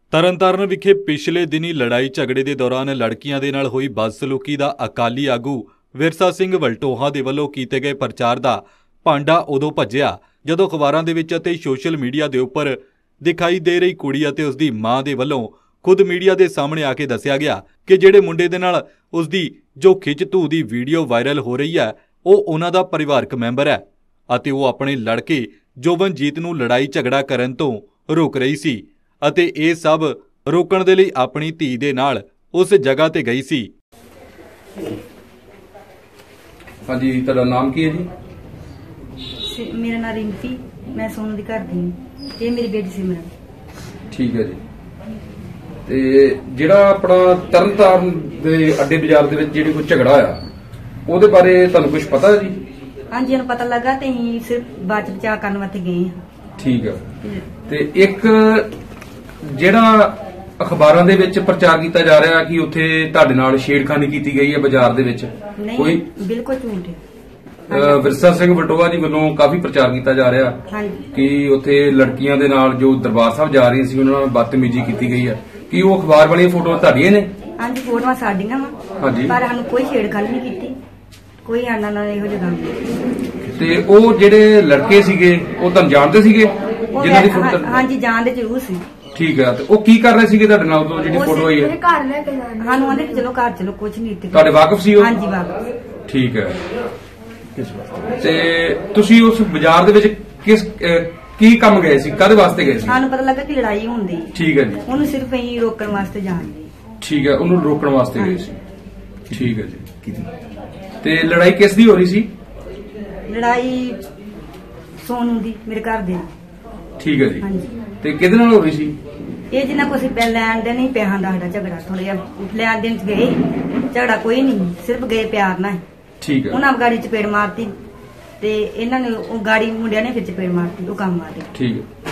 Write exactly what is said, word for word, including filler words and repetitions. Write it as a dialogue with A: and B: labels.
A: ਤਰਨਤਾਰਨ ਵਿਖੇ ਪਿਛਲੇ ਦਿਨੀ ਲੜਾਈ ਝਗੜੇ ਦੇ ਦੌਰਾਨ ਲੜਕੀਆਂ ਦੇ ਨਾਲ ਹੋਈ ਬਦਸਲੂਕੀ ਦਾ ਅਕਾਲੀ ਆਗੂ ਵਿਰਸਾ ਸਿੰਘ ਵਲਟੋਹਾ ਦੇ ਵੱਲੋਂ ਕੀਤੇ ਗਏ ਪ੍ਰਚਾਰ ਦਾ ਭਾਂਡਾ ਉਦੋਂ ਭੱਜਿਆ ਜਦੋਂ ਅਖਬਾਰਾਂ ਦੇ ਵਿੱਚ ਅਤੇ ਸੋਸ਼ਲ ਮੀਡੀਆ ਦੇ ਉੱਪਰ ਦਿਖਾਈ ਦੇ ਰਹੀ ਕੁੜੀ ਅਤੇ ਉਸ ਦੀ ਮਾਂ ਦੇ ਵੱਲੋਂ ਖੁਦ ਮੀਡੀਆ ਦੇ ਸਾਹਮਣੇ ਆ ਕੇ ਦੱਸਿਆ ਗਿਆ ਕਿ ਜਿਹੜੇ ਮੁੰਡੇ ਦੇ ਨਾਲ ਉਸ ਦੀ ਜੋ ਖਿੱਚ ਧੂ ਦੀ ਵੀਡੀਓ ਵਾਇਰਲ ਹੋ ਰਹੀ ਹੈ ਉਹ ਉਹਨਾਂ ਦਾ ਪਰਿਵਾਰਕ ਮੈਂਬਰ ਹੈ ਅਤੇ ਉਹ ਆਪਣੇ ਲੜਕੇ ਜੋਬਨਜੀਤ ਨੂੰ ਲੜਾਈ ਝਗੜਾ ਕਰਨ ਤੋਂ ਰੋਕ ਰਹੀ ਸੀ ਅਤੇ ਇਹ ਸਭ ਰੋਕਣ ਦੇ ਲਈ ਆਪਣੀ ਧੀ ਦੇ ਨਾਲ ਉਸ ਜਗ੍ਹਾ ਤੇ ਗਈ ਸੀ।
B: हाँ जी, तेरा नाम की है जी?
C: मेरा नाम रिंपी, मैं सोनू दी घर दी हूं ते मेरी बेटी सिमरन।
B: ठीक है जी। ते ਜਿਹੜਾ ਆਪਣਾ ਤਰਨਤਾਰਨ ਦੇ ਅੱਡੇ ਬਾਜ਼ਾਰ ਦੇ ਵਿੱਚ ਜਿਹੜੀ ਕੋਈ ਝਗੜਾ ਆ ਉਹਦੇ ਬਾਰੇ ਤੁਹਾਨੂੰ ਕੁਝ ਪਤਾ ਹੈ ਜੀ?
C: ਹਾਂਜੀ, ਇਹਨੂੰ ਪਤਾ ਲੱਗਾ ਤੇ ਅਸੀਂ ਸਿਰਫ ਬਾਅਦ ਚ ਬਚਾਅ ਕਰਨ ਵਾਸਤੇ ਗਏ ਹਾਂ।
B: ਠੀਕ ਹੈ। ਤੇ ਇੱਕ ਜਿਹੜਾ ਅਖਬਾਰਾਂ ਦੇ ਵਿੱਚ ਪ੍ਰਚਾਰ ਕੀਤਾ ਜਾ ਰਿਹਾ ਕਿ ਉੱਥੇ ਤੁਹਾਡੇ ਨਾਲ ਛੇੜਖਾਨੀ ਕੀਤੀ ਗਈ ਹੈ ਬਾਜ਼ਾਰ ਦੇ ਵਿੱਚ,
C: ਕੋਈ ਬਿਲਕੁਲ ਝੂਠ ਹੈ।
B: ਵਿਰਸਾ ਸਿੰਘ ਵਲਟੋਹਾ ਜੀ ਵੱਲੋਂ ਕਾਫੀ ਪ੍ਰਚਾਰ ਕੀਤਾ ਜਾ ਰਿਹਾ ਕਿ ਉੱਥੇ ਲੜਕੀਆਂ ਦੇ ਨਾਲ ਜੋ ਦਰਬਾਰ ਸਾਹਿਬ ਜਾ ਰਹੀਆਂ ਸੀ ਉਹਨਾਂ ਨਾਲ ਬਦਤਮੀਜ਼ੀ ਕੀਤੀ ਗਈ ਹੈ। ਕੀ ਉਹ ਅਖਬਾਰ ਵਾਲੀਆਂ ਫੋਟੋਆਂ ਤੁਹਾਡੀਆਂ ਨੇ?
C: ਹਾਂਜੀ, ਫੋਟੋਆਂ ਸਾਡੀਆਂ ਵਾ, ਪਰ ਸਾਨੂੰ ਕੋਈ ਛੇੜਖਾਨੀ ਨਹੀਂ ਕੀਤੀ, ਕੋਈ ਆਨਾ ਨਾਲ ਇਹੋ ਜਿਹਾ ਕੰਮ।
B: ਤੇ ਉਹ ਜਿਹੜੇ ਲੜਕੇ ਸੀਗੇ ਉਹ ਤੁਹਾਨੂੰ ਜਾਣਦੇ ਸੀਗੇ ਜਿਨ੍ਹਾਂ ਦੀ ਫੋਟੋ?
C: ਹਾਂਜੀ, ਜਾਣਦੇ ਜ਼ਰੂਰ ਸੀ।
B: ਠੀਕ ਹੈ। ਤੇ ਉਹ ਕੀ ਕਰ ਰਹੇ ਸੀਗੇ ਤੁਹਾਡੇ ਨਾਲ ਉਦੋਂ ਜਿਹੜੀ ਫੋਟੋ ਆਈ ਹੈ?
C: ਘਰ ਲੈ ਕੇ ਸਾਨੂੰ ਆਂਦੇ ਕਿ ਚਲੋ ਘਰ ਚਲੋ, ਕੁਝ ਨਹੀਂ।
B: ਤੁਹਾਡੇ ਵਾਕਫ ਸੀ ਉਹ?
C: ਹਾਂਜੀ, ਵਾਕਫ।
B: ਠੀਕ ਹੈ। ਤੇ ਤੁਸੀਂ ਉਸ ਬਾਜ਼ਾਰ ਦੇ ਵਿੱਚ ਕਿਸ ਕੀ ਕੰਮ ਗਏ ਸੀ, ਕਾਹਦੇ ਵਾਸਤੇ ਗਏ ਸੀ?
C: ਸਾਨੂੰ ਪਤਾ ਲੱਗਾ ਕਿ ਲੜਾਈ ਹੁੰਦੀ।
B: ਠੀਕ ਹੈ ਜੀ।
C: ਉਹਨੂੰ ਸਿਰਫ ਅਸੀਂ ਰੋਕਣ ਵਾਸਤੇ ਜਾਣਦੇ।
B: ਠੀਕ ਹੈ, ਉਹਨੂੰ ਰੋਕਣ ਵਾਸਤੇ ਗਏ ਸੀ। ਠੀਕ ਹੈ ਜੀ। ਤੇ ਲੜਾਈ ਕਿਸ ਦੀ ਹੋ ਰਹੀ ਸੀ?
C: ਲੜਾਈ ਸੋਨੂ ਦੀ, ਮੇਰੇ ਘਰ ਦੇ।
B: ਠੀਕ ਹੈ ਜੀ।
C: ਹਾਂਜੀ।
B: ਤੇ ਕਿਹਦੇ ਨਾਲ ਹੋ ਰਹੀ ਸੀ?
C: ਇਹ ਜਿੰਨਾ ਕੁ ਅਸੀਂ ਲੈਣ ਦੇ ਨਹੀਂ ਪਿਆ ਦਾ ਸਾਡਾ ਝਗੜਾ, ਥੋੜਾ ਜਿਹਾ ਲੈਣ ਦੇਣ ਚ ਗਏ, ਝਗੜਾ ਕੋਈ ਨਹੀਂ, ਸਿਰਫ ਗਏ ਪਿਆਰ ਨਾਲ।
B: ਠੀਕ ਹੈ।
C: ਉਹਨਾਂ ਗਾੜੀ ਚਪੇੜ ਮਾਰਤੀ ਤੇ ਇਹਨਾਂ ਨੇ ਉਹ ਗਾੜੀ ਮੁੰਡਿਆਂ ਨੇ ਫਿਰ ਚਪੇੜ ਮਾਰਤੀ, ਉਹ ਕੰਮ ਆਦੇ।
B: ਠੀਕ ਹੈ।